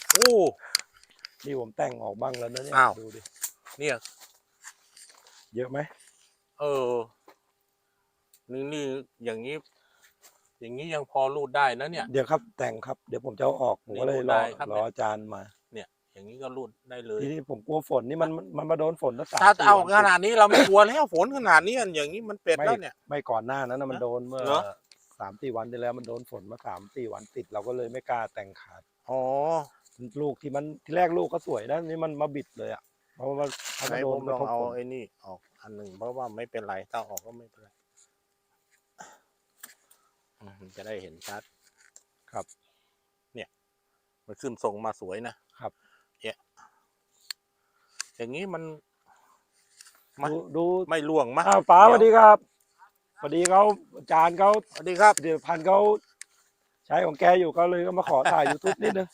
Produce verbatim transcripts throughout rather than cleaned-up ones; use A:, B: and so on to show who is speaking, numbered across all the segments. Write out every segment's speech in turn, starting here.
A: โอ้
B: นี่ผมแต่งออกบ้างแล้วนะเนี่ยดูดิ
A: เนี่ย
B: เยอะไหม
A: เออนี่นี่อย่างนี้อย่างนี้ยังพอรูดได้นะเนี่ย
B: เดี๋ยวครับแต่งครับเดี๋ยวผมจะเอาออกผมก็เลยรอรออาจารย์มา
A: เนี่ยอย่างนี้ก็รูดได้เลย
B: ทีนี้ผมกลัวฝนนี่มันมันมาโดนฝนตั้งสาม
A: ถ้า
B: สี่
A: เอา
B: วัน
A: ขนาดนี้เราไม่กลัวแล้วฝนขนาดนี้อย่างนี้มันเป็ด
B: ไม่
A: แล้วเนี่ย
B: ไม่ก่อนหน้านั้นนะมันโดนเมื่อ
A: เหรอ
B: สามสี่วันที่แล้วมันโดนฝนมาสามสี่วันติดเราก็เลยไม่กล้าแต่งขาด
A: อ๋อ
B: ลูกที่มันที่แรกลูกก็สวยนะนี่มันมาบิดเลยอ่ะเพราะว่าเขา
A: ไหน
B: มาโด
A: ผ
B: น
A: ม
B: ก
A: ล
B: ระ
A: อง
B: ทบ
A: เอา
B: ฝน
A: ไอ้นี่ออกอันหนึ่งเพราะว่าไม่เป็นไรถ้าออกก็ไม่เป็นไรอืมจะได้เห็นชัด
B: ครับ
A: เนี่ยมันขึ้นทรงมาสวยนะครับเนี่ยอย่างนี้มันมัน
B: ดูดู
A: ไม่ล่วงมั้ย
B: อ้าวป๋าสวัสดีครับพอดีเขาอาจารย์เขา
A: สวัสดีครับ
B: เดี๋ยวพันเขาใช้ของแกอยู่ก็เลยก็มาขอถ่าย ยูทูบ นิดนึง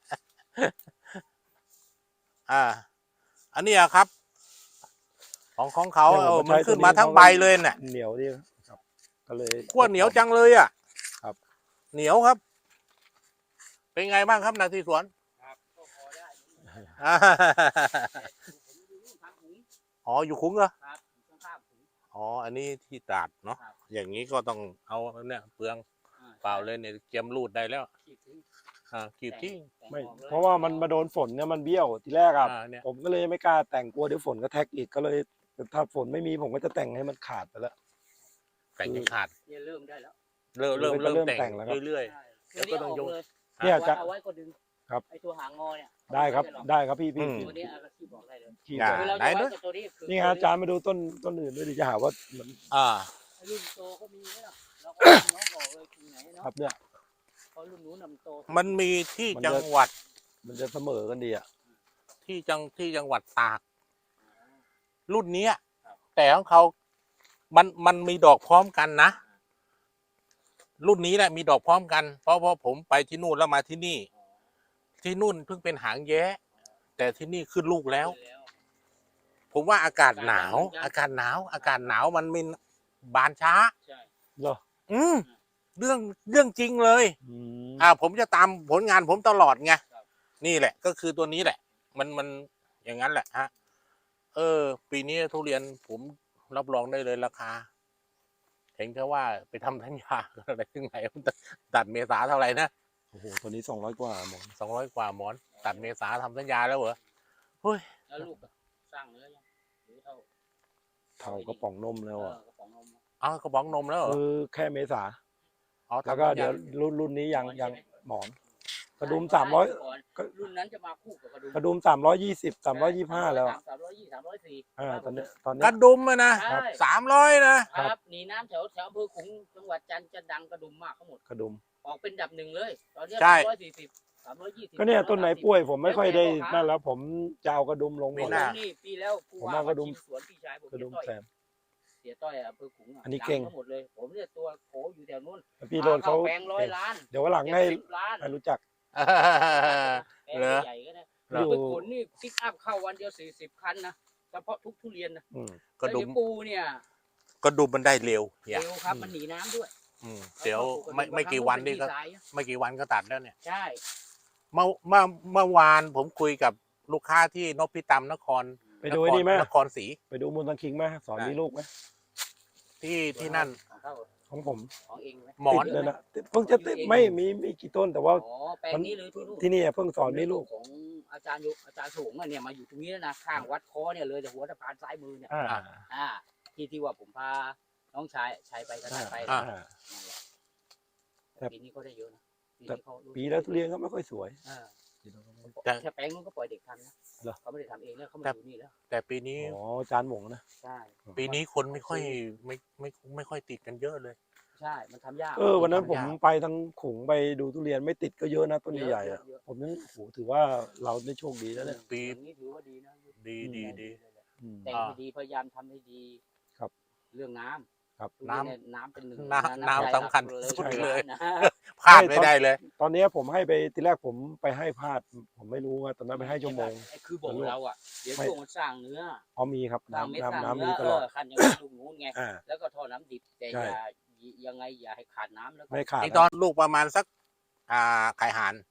A: อ่า อันนี้อะครับ ของของเขา
B: เนี่ย
A: เอ
B: ผ
A: อ
B: ม
A: มัน
B: ใช้
A: ขึ้น
B: ตัวนี้
A: มาทั้ง
B: เขาก็
A: ใบเลยเนี่ย
B: เหนียวดีครับก็เลย
A: ขั้วเหนียวจังเลยอ่ะ
B: ครับ
A: เหนียวครับ เป็นไงบ้างครับนาทีสวน
C: ครับก็พอได้
A: อ่า
C: ผมอยู่นู่นทำถุง
A: อ๋ออยู่คุ้งเหรอ
C: ครับอยู่ข้างๆถุง
A: อ๋ออันนี้ที่ตราดเนาะ
C: ครับ
A: อย่างนี้ก็ต้องเอาเนี่ยเปลือง
C: อ่
A: เปล่าเลยเนี่ยเจียมรูดได้แล้ว
C: ขีดทิ้ง
A: อ่ากีบทิ้ง
C: แต่ง
B: ไม่
C: ออกลย
B: เพราะว่ามันมาโดนฝนเนี่ยมันเบี้ยวทีแรกอะ
A: อ่าเนี่ย
B: ผมก็เลยไม่กล้าแต่งกลัวเดี๋ยวฝนก็แทกอีกก็เลยถ้าฝนไม่มีผมก็จะแต่งให้มันขาดไปแล้ว
A: แต่งให้ขาด
C: เนี่ยเริ่มได้แล้ว
A: เริ่มเริ่ม
B: เริ่
A: เริ่
B: ม
A: มแต่ง
B: แต่งแล้วครับ
A: เรื่อย
C: ใช่
A: แล้วก็ต้องยก
C: เลย
B: เนี่ย
C: เอา
B: จะ
C: ไว้เอาไว้ก็ดึง
B: ครับ
C: ไอตัวหางงอเนี่ย
B: ได้ครับ
C: เอาว้
B: ได้ครับพี่พี่
A: อืม
B: พี่
C: ตัวนี้เอาที่บอกได้เลย
B: ขี้
A: อ่า
B: ไป
C: คือเรา
A: ไหน
C: จะไว้
A: ด้วย
C: กับตัวนี้คือ
B: นี่ฮะอาจารย์มาดูต้นต้นอื่นด้วยดิจะหาว่ามัน
A: ๆอ่า
C: รุ่นโตก็มีนะเราก็น้องบอกเลยคือไหนเนาะ
B: ครับเนี่ย
C: เพราะรุ่นนู้นนำโต
A: มันมีที่
B: มันจะ
A: จังหวัด
B: มันจะเสมอกันดีอ่ะ
A: ที่จังที่จังหวัดตาก รุ่นเนี้ยแต่ของเขา มันมันมีดอกพร้อมกันนะ รุ่นนี้แหละมีดอกพร้อมกัน เพราะเพราะผมไปที่นู่นแล้วมาที่นี่ ที่นู่นเพิ่งเป็นหางแย้ แต่ที่นี่ขึ้นลูกแล้ว
C: แล้ว
A: ผมว่าอากาศหนาว อากาศหนาว อากาศหนาวมันมีบานช้า
C: ใช่
B: เหรอ
A: อืมเรื่องเรื่องจริงเลย
B: อืม
A: อ่า ผมจะตามผลงานผมตลอดไงนี่แหละ ก็คือตัวนี้แหละ มันมันอย่างนั้นแหละฮะ เออ ปีนี้ทุเรียนผมรับรองได้เลยราคา เห็นแค่ว่าไปทำสัญญาอะไรถึงไหนตัดเมษาเท่าไหร่นะ
B: โอ้โหตัวนี้สองร้อยกว่าหมด
A: สองร้อยกว่าหมอน ตัดเมษาทำสัญญาแล้วเหรอเฮ้ย
C: แล้วลูกอะสร้างเนื้อยังหรือเท่า
B: เท่ากระป๋องนมแล้ว
C: เอ
B: อ่ะ
C: อกระป๋องนมอะ
A: เอากระป๋องนมแล้วเหรอ
B: คือแค่เมษา
A: อ๋อ
B: แล้ว
A: ทำ
B: ก็
A: สัญ
B: เดี๋
A: ญา
B: ยวรุ่นรุ่นนี้ยังยังหมอน กระดุม
C: ใช่
B: สามร้อย
C: ก่นรุ่นนั้นจะมาคู่กับกระดุม
B: กระดุมสามร้อยยี่สิบสามร้อยยี่สิบห้าแล้วอะ
C: สามร้อยยี่สามร้อยสี่
B: อ่าตอนนี้ตอน
A: ก
B: นี้
A: ระดุมอะนะ
C: ใช่
A: สามร้อยนะ
C: ครับหนีน้ำแถวแถวอำเภอขลุงจังหวัดจันทร์จะดังกระดุมมากทั้งหมด
B: กระดุม
C: ออกเป็นดับหนึ่งเลย ตอนนี้
A: ใช่
C: สามร้อยสี่สิบสามร้อยยี่สิบ
B: ก็เนี่ยต้นไหนป่วยผมไม่ค่อยได้นั่นแล้ว ผมจะเอากระดุมลงห
A: ไม่
B: มด
A: น่า
C: นี่ปีแล้วผู้
B: ผม
C: ว่า
B: เอากระดุม
C: ชิสวนพี่ชายผม
B: กระดุม
C: เสียต้อย
B: แซม
C: เสียต้อยอำเภอขลุงะ
B: อันนี้
C: ดั
B: เก่ง
C: ทั้งหมดเลย ผมเนี่ยตัวโขอยู่แถวนู้น
B: พี่โดนเขา
C: แปลงร้อยล้าน
B: เดี๋ยววันหลังให้
C: เจ็ดสิบล้าน
B: ให้รู้จัก
C: แปลง
A: เหรอ
C: ใหญ่ก็ได้
A: เหรอ
C: ไปขนนี่ปิกอัพเข้าวันเดียวสี่สิบคันนะเฉพาะทุกทุเรียนนะ
B: อืม
A: กระดุม
C: แล้วเยวปูเนี่ย
A: กระดุมมันได้เร็วเนี่ย
C: เร็วครับมันหนีน้ำด้วย
A: อืมเดี๋ยวไม่ไม่กี่วันนี่ก็
C: บางครั้งเป็ดีไซน์อะ
A: ไม่กี่วันก็ตัดแล้วเนี่ย
C: ใช่
A: เมื่อเมื่อเมื่อวานผมคุยกับลูกค้าที่นพิตามนคร
B: ไปดูไอ้นี่ไหม
A: นครศรี
B: ไปดูมูลตังคิงไหมสอนมีลูกไหม
A: ที่ที่นั่น
C: ของเขา
B: ของผม
C: ของเองไหม
A: หมอน
B: ติดเลยนะเพิ่งจะติดไม่มีมีกี่ต้นแต่ว่า
C: อ๋อแปลงนี้เลยที่นู่น
B: ที่นี่เพิ่งสอนมีลูก
C: ของอาจารย์ยุอาจารย์สูงอะเนี่ยมาอยู่ตรงนี้แล้วนะข้างวัดคอเนี่ยเลยแต่หัวสะพานซ้ายมือเนี่ย
B: อ่า
C: อ่าที่ที่ว่าผมพาน้องชายชายไปกระทั่งไป
A: อ่า
B: อ่า
C: นั่นแหละ
B: ครับ
C: ปีนี้เขาได้เยอะนะปี
B: แต่
C: นี้เขารู้
B: ปีแล้วทุเรียนก็ไม่ค่อยสวย
C: อ่า
A: แต่
C: แค่แปลงนู้นก็ปล่อยเด็กทำนะ
B: เหรอ
C: เขาไม่ได้ทำเองแล้วเขามาอยู่นี่แล้ว
A: แต่ปีนี้
B: อ๋อจานหมงนะ
C: ใช่
A: ปีนี้คนไม่ค่อยไม่ไม่ไม่ค่อยติดกันเยอะเลย
C: ใช่มันทำยาก
B: เออวันนั้นผม
A: ทำยาก
B: ไปทางขลุงไปดูทุเรียนไม่ติดก็เยอะนะต้น
C: เยอะ
B: ใหญ่ๆอ่ะ
C: เยอะ
B: ผมยังโอ้โหถือว่าเราได้โชคดีแล้วเนี่ย
A: ปี
C: อย่างนี้ถือว่าดีนะ
A: ดีดีดี
B: อืม
C: แต่งให้ดีพยายามทำให้ดี
B: ครับ
C: เรื่องน้ำ
B: ครับ
C: ทุเรียเยน้ำเป็นหนึ่ง
A: น้ำน้ำ
C: ใจ
A: สำคัญ
C: หลัก
A: สุด
C: ใช่
A: เลย
C: นะ
A: พลาดไม่ได้เลย
B: ตอนนี้ผมให้ไปทีแรกผมไปให้พลาด ผมไม่รู้ว่าตอนนั้นไปให้ชั่วโมง
C: ไอ้คือบอกเราอ่ะเดี๋ยว
B: ไม่
C: ช่วงมันสร้างเนื้อ
B: อ๋อมีครับ
C: สร้างเม็ด
B: น้ำ
C: สร้าง
B: น้ำน้ำ
C: เนื้
B: มี
C: อ
B: ต
C: เอ
B: ลอด
C: อคันอย่างนี้ลูกนู้นไง
B: อ่า
C: แล้วก็ท่อน้ำดิบแต่
B: ใช่
C: อย่ายังไงอย่าให้ขาดน้ำแล้วก็
B: ไม่ขาด
A: นี่ตอนลูกประมาณสัก อ่าไข่หาน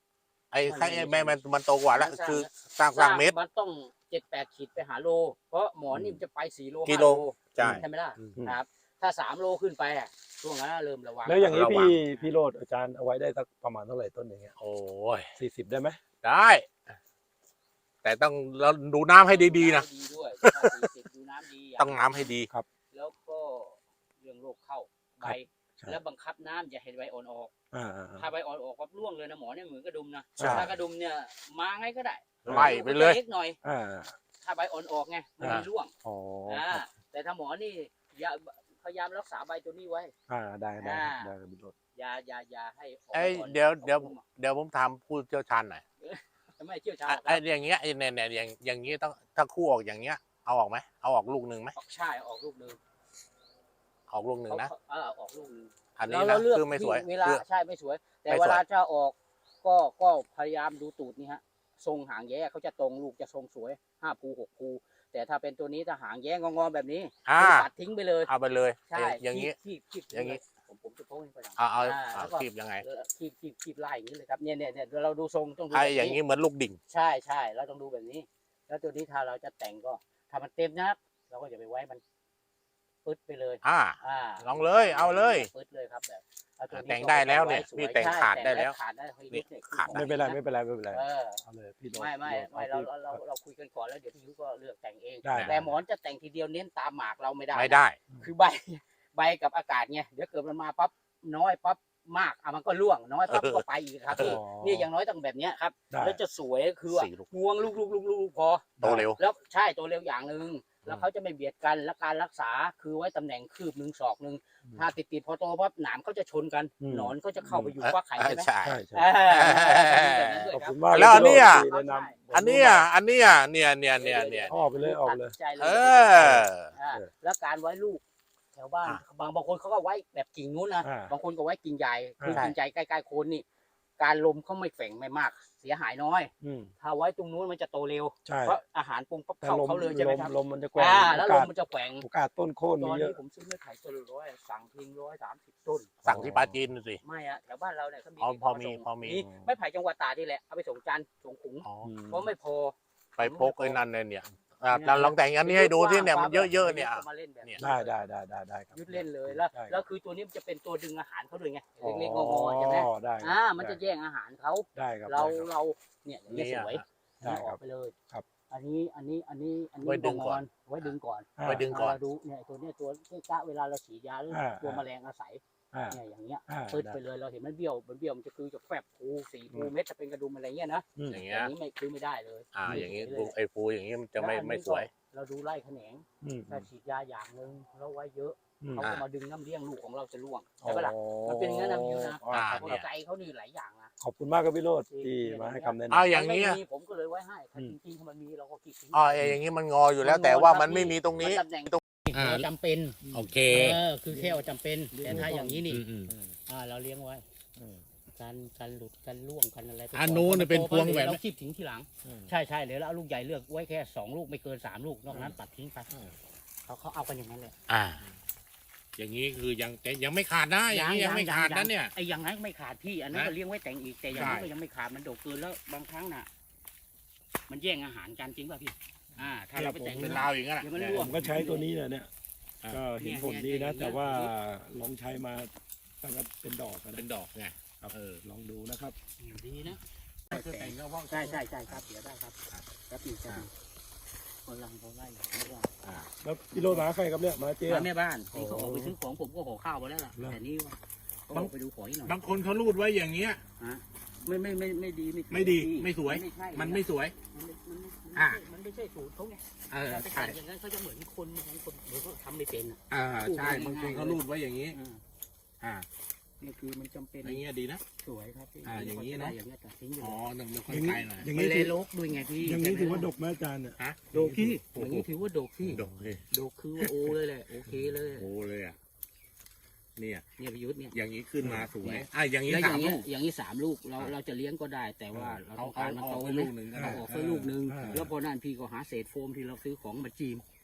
A: ไอ้ไข่แม่มันมันโตกว่าแล้วคือสร้างสร้างเม็ด
C: มันต้องเจ็ดแปดขีดไปหาโล เพราะหมอนนี่มันจะไปสี่โล
A: กิ
C: ห้า
A: โล
C: โล
A: ใช่
C: ใช่ไหมล่ะครับ ถ้าสามโลขึ้นไปอะช่วงนั้นเริ่มระวัง
B: แล้วอย่างนี้
A: ระวัง
B: พี่พี่โรดอาจารย์เอาไว้ได้สักประมาณเท่าไหร่ต้นอย่างเงี้ย
A: โอ้ย
B: สี่สิบได้ไหม
A: ได้ แต่ต้องเราดูน้ำให้ดีๆนะ
C: ดีด้วยสี่สิบดูน้ำดี
A: ต้องน้ำให้ดี
C: แล้วก็เรื่องโรคเข้าใบ แล้วบังคับน้ำอย่าให้ใบอ่อนออก
B: อ่า
C: ถ้าใบอ่อนออกปั๊บร่วงเลยนะหมอเนี่ยเหมือนกระดุมนะ
A: ใช่
C: ถ้ากระดุมเนี่ยมาไงก็ได้
A: ไล่ไปเลย
C: เล็กหน่อย
B: อ่า
C: ถ้าใบอ่อนออกไงมันไม่ร่วง
B: อ๋อ
C: อ่าแต่ถ้าหมอนี่อย่าพยายามรักษาใบตัวนี้ไว้
B: อ่าได้ได้
C: อ่า
B: ได้ครับพี่โรด
C: อย่าอย่าอย่าให้ออก
A: เอ้ย
C: ก่อน
A: เดี๋ยวเดี๋ยว
C: อาพุ่มอะ
A: เดี๋ยวผมถามผู้เชี่ยวชาญหน่อย
C: ไม่เชี่ยวชาญ
A: อ่ะ
C: หรอกค
A: ไอ้
C: รับ
A: อย่างเงี้ยไอ้เนี่ยเนี่ยอย่างอย่างงี้ต้องถ้าคู่ออกอย่างเงี้ยเอาออกไหมเอาออกลูกหนึ่งไหม
C: ออกใช่ออกลูกหนึง
A: ออกลูกหนึ่งนะ
C: เขาเออออกลูกหนึง
A: อันนี้
C: แล้ว
A: นะ
C: เราเลือก
A: คือไม่สวย
C: ที่เวลา
A: คือ
C: ใช่ไม่สวย แต่
A: ไม่สวย
C: เวลาจะออกก็ก็พยายามดูตูดนี่ฮะทรงหางแย้เขาจะตรงลูกจะทรงสวยห้าภูหกภูแต่ถ้าเป็นตัวนี้ถ้าหางแย้งองอๆแบบนี้
A: อ่า
C: ตัดทิ้งไปเลย
A: เอาไปเลย
C: ใช่
A: อย่างงี้
C: คีบคีบ
A: อย่างงี้
C: ผมผมจะโพสต์ให้ไปหลัง
A: เอาเอา
C: อ่า
A: เอา
C: แล้วก็
A: คีบยังไง
C: เออคีบคีบคีบไล่อย่างนี้เลยครับเนี่ยเนี่ยเนี่ยเราดูทรงต้องดู
A: ไอ้
C: แบบ
A: อย่างงี้เหมือนลูกดิ่ง
C: ใช่ใช่เราต้องดูแบบนี้ แล้วตัวนี้ถ้าเราจะแต่งก็ถ้ามันเต็มนะครับเราก็อย่าไปไว้มันปึ๊ดไปเลย
A: อ่า
C: อ่า
A: ลองเลยเอาเลย
C: ปึ๊ดเลยครับแบบเอาตัวนี้
A: แต่งได้แล้วเนี่ย
C: ก็
A: พี่
C: ไว้
A: แต่ง
C: สวย
A: ขาด
C: ใช่
A: ได้แล้ว
C: ขาดได้เฮ้ย
A: นี่
C: เนี่ย
A: ขาด
C: คือ
B: ไม่เป็นไรไม่เป็นไรไม่เป็นไร
C: เออ
B: เอาเลยพี่โรด
C: ไม่ไม่ไม่
B: อ
C: เรา
B: ที่
C: เราเราเราคุยกันก่อนแล้วเดี๋ยวพี่ยุก็เลือกแต่งเอง
B: ได้
C: แต่หมอนจะแต่งทีเดียวเน้นตามหมากเราไม่ได้
A: ไม่ได้
C: คือใบใบกับอากาศไงเดี๋ยวเกิดมันมาปั๊บน้อยปั๊บมากอ่ะมันก็ร่วงน้อยปั๊บก็ไปอีกครับพี่
B: อ๋อ
C: นี่อย่างน้อยต้องแบบเนี้ยครับ
B: ได้
C: แล้วจะสวยคือว่า
A: สี่ลูก
C: งวงลูกลูกลูกลูกพอ
A: โตเร็ว
C: แล้วใช่ตัวเร็วอย่างหนึ่งแล้วเขาจะไม่เบียดกันและการรักษาคือไว้ตำแหน่งคืบหนึ่งศอกหนึ่งถ้าติดติดๆพอโตปั๊บหนามเขาจะชนกัน
B: อืม
C: หนอนเขาจะเข้าไปอยู่ฟักไข่ใช่ไหม
A: ใช่
B: ใช่ใช่
C: อ่าแบบนั้นด้วย
B: ขอบ
C: ครับ
B: คุณมาก
A: แล้วอันเนี้ย
B: ที่แนะนำ
A: อันเนี้ยอันเนี้ยเนี่ยเนี่ยเนี่ยเนี่ย
B: ออกไปเลยออกไปเลย
C: ตัดใจเลย
A: เออ
C: อ่าแล้วการไว้ลูกแถวบ้าน
A: อ่ะ
C: บางบางคนเขาก็ไว้แบบกิ่งนู้นนะ
B: อ่า
C: บางคนก็ไว้กิ่งใหญ่คือ
A: ใช่
C: กิ่งใหญ่ใกล้ๆโคนนี่ การลมเขาไม่แฝงไม่มาก เสียหายน้อย
B: อืม
C: ถ้าไว้ตรงนู้นมันจะโตเร็ว
B: ใช่
C: เพราะอาหารปรุงปั๊บ
B: แต่
C: เข้า
B: ลม
C: เขาเลยใช่ไห
B: ล
C: ม
B: ม
C: ครับ
B: ลมมันจะแกว่ง
C: อ่า
B: โอ
C: แล้วล
B: กาม ส
C: มันจะแฝง
B: โอกาสต้นโค่น
C: ต
B: มี
C: อน
B: เย
C: นี้
B: อะ
C: ผมซื้อไม่ขายต้นละร้อยสั่งทิ้งร้อยสามสิบต้น
A: สั่งที่ปลาจีนดูสิ
C: ไม่อะแถวบ้านเราเนี่ยเขามี
A: อ๋อพอมี
C: ส่ง
A: พอมี
C: ไม่ไผ่จังหวัดตราดนี่แหละเอาไปส่งจันทร์ส่งขุง
A: อ๋อ
B: อืม
C: เพราะไม่พอ
A: ไปพกไอ้นั่นเนี่ยเนี่ยอ่ะเราลองแต่งอันนี้ให้ดูที่เนี่ยมันเยอะๆเนี่ย
C: มาเล่นแบบ
A: เนี่ย
B: ได้ได้ได้ได้ได้ครับ
C: ยุดเล่นเลยแล้ว
B: ได้ครับ
C: แล้วคือตัวนี้มันจะเป็นตัวดึงอาหารเขาด้วยไง
B: อ๋อ
C: เล็กๆงอๆใช่ไหม
B: ได้ครับ
C: อ่ามันจะแย่งอาหารเขา
B: ได้ครับ
C: เรา
B: ได้ครับ
C: เราเนี่ยอย่างนี้ยสวย
B: ได้
C: นี่อ
B: ครั
C: อบ กไปเลย
B: ครับ
C: อันนี้อันนี้อันนี้อันนี้
A: ไว้ดึงก่อน
C: ไว้ดึงก่อน
A: ไว้ดึงก่อน
C: เราดูเนี่ยตัวเนี้ยตัวที่กะเวลาเราฉีดยาหรือ
B: อ่า
C: ตัวแมลงอาศัย
B: อ่า
C: เนี่ยอย่างเงี้ย
B: อ่า
C: ปืด
B: ได้
C: ไปเลยเราเห็นมันเบี้ยวมันเบี้ยวมันจะคือจะแฝบภูสีภู
B: อืม
C: เม็ดจะเป็นกระดุมอะไรเงี้ยนะ
B: อืม
A: อย่าง
C: อ
A: เงี้ย
C: ย่างนี้ไม่คือไม่ได้เลย
A: อ่า อย่างงี้
C: นี้
A: ไอ้ฟูอย่างงี้มันจะไม่ไม่สวย
C: เราดูไล่แขนง
B: อืม
C: ถ้าฉีดยาอย่างหนึ่งเราไว้เยอะ
B: อืม
C: เขา
A: อ่า
C: ก็มาดึงน้ำเลี้ยงลูกของเราจะร่วงใช่ปะล่ะ
B: อ๋อ
C: มันเป็นอย่างนั้นนะพี่ยุทธนะ
B: อ่า
A: อ่า
C: เพราะ
A: เนี่ย
C: ใจเขานี่หลายอย่างนะ
B: ขอบคุณมากครับพี่โรดที่มาให้คำแนะนำ
A: อ่าอย่าง
C: นี้
A: เงี้ย
C: ผมก็เลยไว้ให้ถ้า
B: อืม
C: จริงๆถ้ามันมีเราก็คิดถึง
A: อ๋อไอ้อย่างงี้มันงออยู่แล้ว แต่ว่ามันไม่มีตรงนี้
C: มัตำแหน่ง
A: อ่า
C: เราจำเป็น
A: โอเค
C: เออคือแค่ว่าจำเป็นแต่ถ้าอย่างนี้นี่
A: อืม
C: อ่าเราเลี้ยงไว้การการหลุดการล่วงกันอะไรไป
A: อันนู้นเนี่ยเป็นพวงแบบ
C: เราคีบทิ้งทีหลัง ใช่ใช่เดี๋ยวเราเอาลูกใหญ่เลือกไว้แค่สองลูกไม่เกินสามลูกนอกนั้นตัดทิ้งไปเขาเขาเอากันอย่างนั้นเลย
A: อ่า อย่างนี้คือยังแต่ยังไม่ขาดนะอย่างนี้ยังไม่ขาดนะเนี่ย
C: ไอ้อย่างนั้นไม่ขาดพี่อันนั้น
A: นะ
C: ก็เลี้ยงไว้แต่งอีกแต่อย่างนี้
A: ใช่
C: ก็ยังไม่ขาดมันโดดเกินแล้วบางครั้งน่ะ มันแย่งอาหารกันจริงป่ะพี่อ่า ถ้าเราไปแต่ง
A: เป็นราวอย่างนั้น
C: เดี๋ยวมัน
A: แหละ
C: ร่
B: ผ
C: วง
B: มก็ใช้ตัวนี้เนี่ยเนี่ย
A: อ่า
B: ก็เห็นผลดีนะ แต่ว่าลองใช้มาตั้งแต่เป็นดอกอะ
A: เป็น
B: นะ
A: ดอกไง
B: ครับ
A: เออ
B: ลองดูนะครับ
C: ดีนะ
A: แต่งก็เพราะ
C: ใช่ใช่ใช่ครับเดี๋ยวได้ครับครับพี่ครับคนลังเขาไล่ไม่ว่า
A: อ่า
B: แล้วพี่โรดมาใครครับเนี่ยมาเจ๊
C: มาแม่บ้านนี่เขาออกไปซื้อของผมก็ห่อข้าวไปแล้วล่ะแต่นี่ว่าเขาออกไปดูของอีกหน่อย
A: บางคนเขารูดไว้อย่างเงี้ย
C: ไม่ไม่ไม่ไม่ดี
A: ไม่ดีไม่สวย
C: ใช่
A: มันไม่สวย
C: มันไม่มันไม่
A: อ่า
C: มันไม่ใช่สูตรเขาไง
A: เออ
C: การไป
A: ใช่
C: แต่งอย่างนั้นเขาจะเหมือนคนบางคนเหมือนเขาทำไม่เป็นอ่ะ
A: อ่าใช่บางคนเขารูดไว้อย่างนี้
C: อ่า
A: อ่า
C: นี่คือมันจำเป็น
A: อย่างเงี้ยดีนะ
C: สวยครับพี่
A: อ่าอย่างนี้นะ
C: อย่างนี้ตัดทิ้งอยู่
A: อ๋อหนึ่งเดี๋ยวค่
B: อ
A: อย
B: ย่างนี้
A: ไกลหน่อย
B: อย่าง
C: ไม่
B: นี้
C: เล
B: ถื
C: ย
B: อ
C: ลกด้วยไงพี่
B: อย่างนี้ถือว่าดกไหมอาจารย์เนี่ย
A: ฮะ
C: โดกพี่อย่างนี้ถือว่าโดกพี่
A: ดกเลย
C: โดกคือว่าโอเลยแหละโอเคเลย
A: โอ้เลยอ่ะเนี่ย
C: เนี่ยพิยุทธ์เนี่ย
A: อย่างนี้ขึ้นมาสวยอ่ะอย่างนี้
C: แล้วอ
A: สา
C: ย่าม งเงี้
A: ลู
C: ย
A: ก
C: อย่างนี้สามลูกเรา
A: อ่า
C: เราจะเลี้ยงก็ได้ แต่ว่าเรา
A: เอา
C: ต้อง
A: เอา
C: การมัน
A: เอา
C: โต
A: ไป
C: ไหม
A: ลูกหนึ่งก็
C: เรา
A: ได้
C: ออกไปลูกหนึ่ง
B: อ่า
C: แล้วพอนั่นพี่ก็หาเศษโฟมที่เราซื้อของมาจีม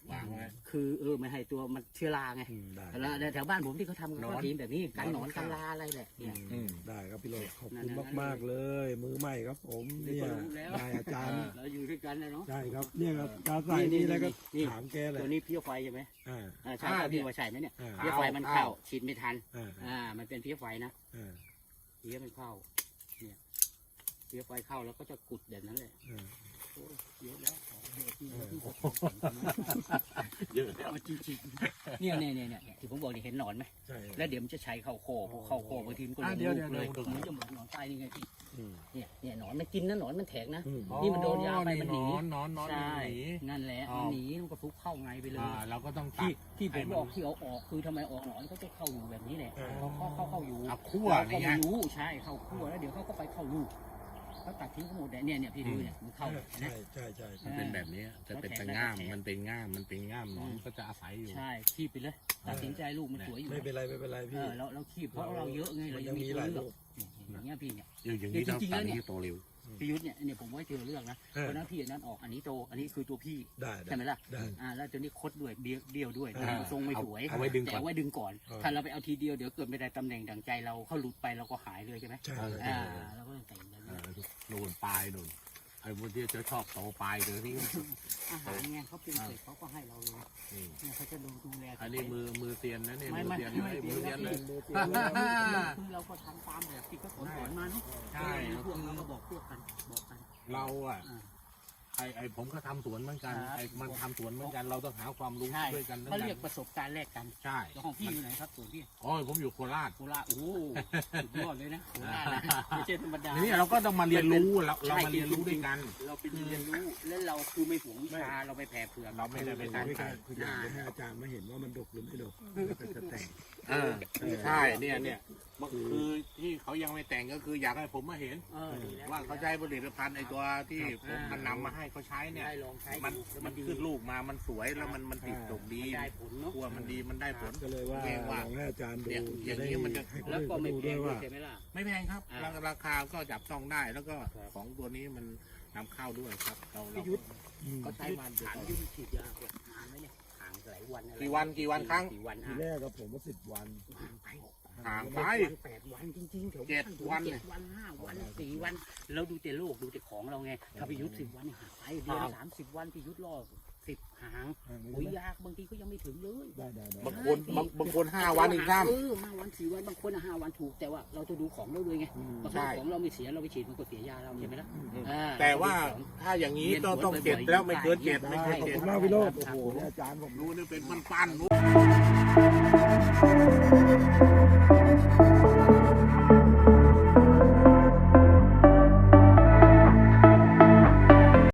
A: วางไว้
C: คือเออไม่ให้ตัวมันเชื้อราไง
B: อืมได้
C: แล้วแถวบ้านผมที่เขาทำ
A: หนอน
C: ก็ทีมแบบนี้กันหนอน
A: หนอน
C: กันลาอะไรแหละเนี่ย
A: อืม
B: ได้ครับพี่โรดขอบ
C: นั่
B: คุณ
C: นๆ
B: มากๆเลย มือใหม่ครับผม
C: นี่
B: เนี่ย
C: ก็รู้แล้ว
B: ได้อาจารย์
C: เราอยู่ด้วยกันนะเนาะ
B: ใช่ครับเนี่ยครับการใส่
C: นี่
B: นี่แล้วก็
C: นี่
B: ถามแกเลย
C: ตัวนี้เพี้ยไฟใช่ไหม
B: อ่า
C: อ่าใช่ครับพี่ว่าใช่ไหมเนี่ย
B: อ่า
C: เพี้ยไฟมันเข้าฉีดไม่ทัน
B: อ่า
C: อ่า มันเป็นเพี้ยไฟนะ
B: อ่า
C: เพี้ยมันเข้าเนี่ยเพี้ยไฟเข้าแล้วก็จะกุดแบบนั้นเลย
B: อ่า
C: โอ้ยเยอะแล้วของเยอะที่เราที่
A: เยอะแล้ว
C: เอาจริงๆเนี่ยเนี่ยเนี่ยเนี่ยที่ผมบอกนี่เห็นหนอนไหม
B: ใช่
C: แล้วเดี๋ยวมันจะใช้เข้าโคพอเข้าโคบางทีมันก็ล
A: อ่ะ
C: ง
A: เดี๋ยว
C: ลูกเลย
A: เดี๋ยว
C: มันจะเหมือนหนอนตายนี่ไงพี่
B: อืม
C: เนี่ยเนี่ยหนอนมันกินนะหนอนมันแทงนะ
B: อืม
C: นี่มันโดนยาไปมันหนี
A: นอนนอนนอน
C: ใช่
A: หนี
C: นั่นแหละ
A: อ๋อ
C: มันหนีมันก็ฟุกเข้าไงไปเลย
A: อ่าเราก็ต้องตั
C: ที่
A: ด
C: ที่ผ
A: ให้
C: ม
A: มัน
C: บอกที่เอาออกคือทำไมออกหนอนเขาจะเข้าอยู่แบบนี้แหละเขาเข้าเข้าเข้าอยู่
A: เอาคั่ว
C: เราก็
A: นี่ไง
C: ไม่รู้ใช่เข้าคั่วแล้วเดี๋ยวเขาก็ไปเข้าลูกเขาตัดทิ้งทั้งหมดเนี่ยเนี่ยพี่ดูเนี่ยมันเข้า
B: ใช่ใช่ใช่ใช่
A: มันเป็นแบบนี้จะเป็นแต่ง่าม มันเป็นง่าม มันเป็นง่ามหนอนก็จะอาศัยอยู่
C: ใช่คีบไปเลยตัดสินใจลูกมันสวยอยู่
B: ไม่เป็นไรไม่เป็นไร
C: เอ
B: พี่
C: อเราเราคีบเพราะเราเยอะไงเรา
B: มัน
C: ยั
B: ยัง ง
C: มี
B: มี
C: ตัว
B: หลาย
C: เลือก
B: ลูก
C: อย่างเงี้ยพี่เนี่ย
A: อย่างนี้ต้อง
C: จริงๆ
A: ตัด
C: แล้วเนี่ย
A: ที่โตเร็ว
C: พี่ยุทธเนี่ยเนี่ยผมไว้เจอเรื่องนะ
B: เออ
C: เพราะนั้นพี่อันนั้นออกอันนี้โตอันนี้คือตัวพี่
B: ได้ได้
C: ใช่ไหมล่ะ
B: ได้
C: อ่าแล้วตัวนี้คดด้วยเบี้ยวเบี้ยวด้วย
B: อ่า
C: ทรงไม่สวย
A: เอาไว้ดึงก่
C: แต่
A: อน
C: เอาไว้ดึงก่อน
B: เออ
C: ถ้าเราไปเอาทีเดียวเดี๋ยวเกิดไม่ได้ตำแหน่งดังใจเราเขาหลุดไปเราก็หายเลยใช่ไหม
B: ใช่
C: อ่าเราก็ต้องแต่งแบบ
A: เอ
C: นี้
A: อโดนปลายโดนไอ้พวกที่จะชอบโตปลายเดี๋ยวนี้
C: อาหารไงเขาปรุงเสร็จเขาก็ให้เราเลย
A: นี่
C: เนี่ยเขาจะดูดูแล
A: อันนี้มือมือเตียนนะนี่
C: ไม่
A: มือ
C: ไม่
A: เตียน
C: ไม่
A: เลยมือเตียนเลย
C: คือเราก็ทำตามแบบที่เขาสอนสอนมาเนาะ
A: ใช่
C: พวกเราก็บอกพวกกันบอกกัน
A: เราอ่ะ
C: อ่า
A: ไอ้ไอ้ผมก็ทำสวนเหมือนกัน
C: ครับ
A: ไอ้มันทำสวนเหมือนกัน เราต้องหาความรู้
C: ใช่
A: ด้วยกันทั้ง
C: เขา
A: นั้
C: เรียก
A: น
C: ประสบการณ์แลกกัน
A: ใช่
C: แล้วของพี่อยู่ไหนครับส่วนพี่
A: โอ้ยผมอยู่โคราช
C: โคราชโอ้โหสุดยอดเลยนะโคราชนะไม่ใช่ธรรมดา
A: นี่เราก็ต้องมาเรียนรู้เราเรามาเรียนรู้ด้วยกัน
C: เราเป็นเรียนรู้และเราคือไม่หวงวิชาเราไปแผ่เผื่อ
A: เราไม่ได้ไป
B: ไม่
A: ทำ
B: ไม่
A: ใคร
B: คืออยากจะให้อาจารย์มาเห็นว่ามันดกหรือไม่ดกแล้วก็จะแต่ง
A: เออใช่เนี่ยเนี่ยคือที่เขายังไม่แต่งก็คืออยากให้ผมมาเห็น
C: เออดีแล้ว
A: ว่าเขาใช้ผลิตภัณฑ์ไอ้ตัวที่ผมมันนำมาให้เขาใช้เนี่ย
C: ได้ลองใช้
A: มัน
C: แล้ว
A: มัน
C: ดี
A: ขึ้นลูกมามันสวยแล้วมันมันติดดกดี
C: ได้ผลเนาะ
A: กลัวมันดีมันได้ผล
B: ก็เลยว่า
A: เองว่า
B: ลองให้อาจารย์ดู
A: เนี่ยอย่างนี้มันจะ
B: ให้คน
C: แล้ว
B: อื่น
C: ก็
B: เขา
C: ไม่
B: ดู
C: แพ
B: ด้วย
C: งด้ว
B: ว่า
C: ยใช่ไหมล่ะ
A: ไม่แพงครับ
C: อ่า
A: ราราคาก็จับต้องได้แล้วก็
C: ครับ
A: ของตัวนี้มันนำเข้าด้วยครับเราเรา
C: พี่ยุทธ
B: อืม
C: เขาใช้มันถามยุ่งฉีดยาแบบนานไหมเนี่ยห่างหลายวันอะไร
A: กี่วันกี่วันครั้ง
C: กี่วัน
B: ที
C: อ่ะ
B: แรกกับผมว่าสิบวัน
C: ห่างไป
A: ห่างไป
C: เจ็ดวันแปดวันจริงๆแถว
A: เจ็ดวัน
C: เจ็ดวันห้าวันสี่วันเราดูแต่โลกดูแต่ของเราไงถ้าพิยุทธสิบวันเนี่ยห่างไปเดือนสามสิบวันพิยุทธรอสิบห่าง
B: อ่าไม่
C: ปุ๋ย
B: เป็นไร
C: ยากบางทีก็ยังไม่ถึงเลย
B: ได้ได้ได้
A: บางคนบางบางคนห้าวันอีกซ้ำ
C: เออห้าวันสี่วันบางคนอะห้าวันถูกแต่ว่าเราจะดูของเราด้วยไง
B: อืม
C: บางค
A: ใช่
C: รั้งของเราไม่เสียเราไปฉีดมันก็เสียยาเราใช่ไหมล่ะ
B: อืม
C: อ่
A: แต่ว่าถ้าอย่างนี้ต้องต้องเจ็ดแล้วไม่เกินเจ็ดไม่
B: ได้
A: เกิน
B: ขอบ
A: เจ็ด
B: คุณมากพี่โรจน์โอ้โหเนี่ยอาจารย์ผม
A: รู้นี่เป็นปั้นๆรู้